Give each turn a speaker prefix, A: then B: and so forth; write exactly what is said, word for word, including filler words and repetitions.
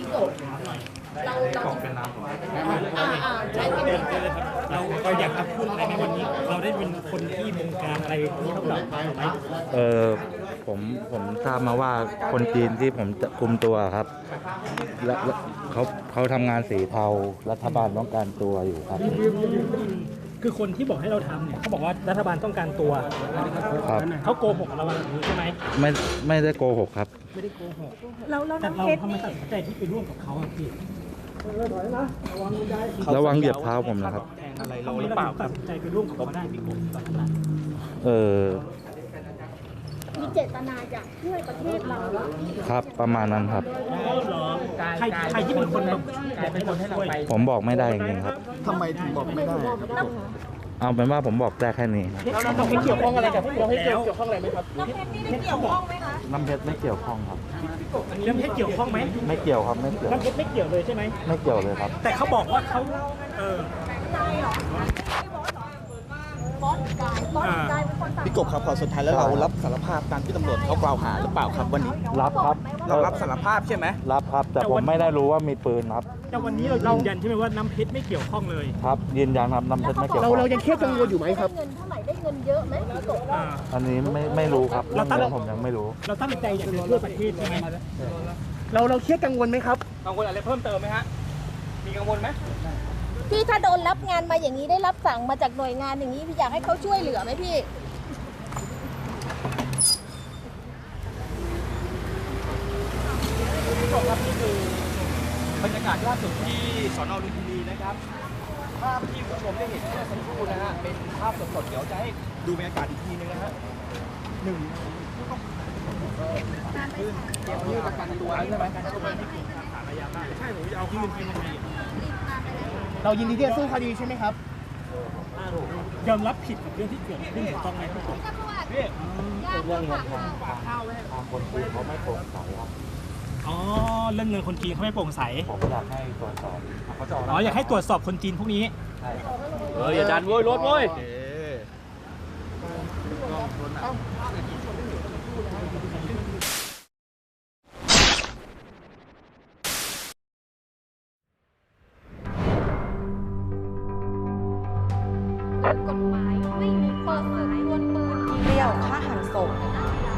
A: กบเราเราอ่าอ่าใช่เป็น
B: เราเราอยากจะพูดอะไรในวันนี้ เราได้เป็นคนที่บงการอะไรที่เขาแบบไหม
C: เออผมผมทราบมาว่าคนจีนที่ผมจะคุมตัวครับและและเขาเขาทำงานสีเทารัฐบาลต้องการตัวอยู่ครับ
B: คือคนที่บอกให้เราทำเนี่ยเขาบอกว่ารัฐบาลต้องการตัว
C: ครับ
B: เขาโกหกเราแบบนี้ใช่ไหม
C: ไม่ไม่ได้โกหกครับ
B: ไม่ได้โกหก
D: เราเรา
B: แต่
D: น้ำ
B: เรา
D: เพชร
B: ทำไม
D: นี่
B: ตัดสินใจที่ไปร่วมกับเขาอะพี่
C: ระวังเหยียบเท้าผมนะครับ
B: แทงอะไรเราหรือเปล่าตัดสินใจไปร่วมกับเขาได้พี่กบตอนนั้น
C: เออ
A: มีเจตนาอยากช่วยประเทศเราเหรอ
C: ครับประมาณนั้นครับ
B: ใครใครที่เป็นคนแบบเป็นคนให้เราไป
C: ผมบอกไม่ได้จริงๆครับ
E: ทำไมถึงบอกไม่ได้ครับ
C: เอาเป็นว่าผมบอกได้แค่นี้ครับ
B: เราเราไม่เกี่ยวข้องอะไรกับเราให้เกี่ยวข้องอะไรไหมครับ
D: น้ำเพชรนี่ได้เกี่ยวข้องไหมคะ
C: น้ำเพชรไม่เกี่ยวข้องครับ
B: เรื่องให้เกี่ยวข้องไหม
C: ไม่เกี่ยวครับไม่เกี่ยว
B: น้ำเพชรไม่เกี่ยวเลยใช่ไหม
C: ไม่เกี่ยวเลยครับ
B: แต่เขาบอกว่าเขาเออ
A: บอสกายบอสกายเป็นคนสั่ง
E: พี่กบครับพอสุดท้ายแล้วเรารับสารภาพตามที่ตำรวจเขากล่าวหาหรือเปล่าครับวันนี้
C: รับครับ
E: เรารับสารภาพใช่ไหม
C: รับครับ แต่ผมไม่ได้รู้ว่ามีปืนครับ
B: แต่วันนี้เรายืนยันใช่ไหมว่าน้ำเพชรไม่เกี่ยวข้องเลย
C: ครับยืนยันครับน้ำเพชรไม่เกี่ยว
E: เรา
C: ข้อง
E: เรายังเครียดกังวลอยู่ไหมครับ
A: ได้เงินเท่าไหร่ได้เงินเยอะไหมพี่กบ
B: อ่า
C: อันนี้ไม่ไม่รู้ครับ
B: เราตั้ง
C: เรื่องผมยังไม่รู้
B: เราตั้งใจอยากจะช่วยประเทศใช่ไหม
E: เราเราเครียดกังวลไหมครับ
B: กังวลอะไรเพิ่มเติมไหมฮะมีกังวลไหม
A: พี่ถ้าโดนรับงานมาอย่างนี้ได้รับสั่งมาจากหน่วยงานอย่างนี้พี่อยากให้เขาช่วยเหลือไหมพี่
B: คุณผู้ชมครับนี่คือบรรยากาศล่าสุดที่สนลุมพินีนะครับภาพที่คุณผู้ชมได้เห็นเมื่อสักครู่นะฮะเป็นภาพสดๆเดี๋ยวจะให้ดูบรรยากาศอีกทีนึงนะฮะหนึ่งผู้ต้องยื่นประกันตัวใช่ไหมการตัวที่ถูกฐานอาญาได้ใช่ผมจะเอายื่นเป็นคดี
E: เรายินดีที่จะสู้คดีใช่ไหมครับ
B: ยอมรับผิดกับเรื่องที่เกิดขึ้นถูกต้องไหมครับผมพี่
C: เรื่องเงินทางทางคนจีนเขาไม่โปร่งใสครับ
B: อ๋อเรื่องเงินคนจีนเขาไม่โปร่งใส
C: ผมอยากให้ตรวจสอบเขาจะ
B: อ๋ออยากให้ตรวจสอบคนจีนพวกนี้
C: ใช่ครับ
B: เอออย่าดันโว้ยรถโว้ย
D: กฎหมายไม่มีความหมายวนปืนเปรี้ยวฆ่าหันศพ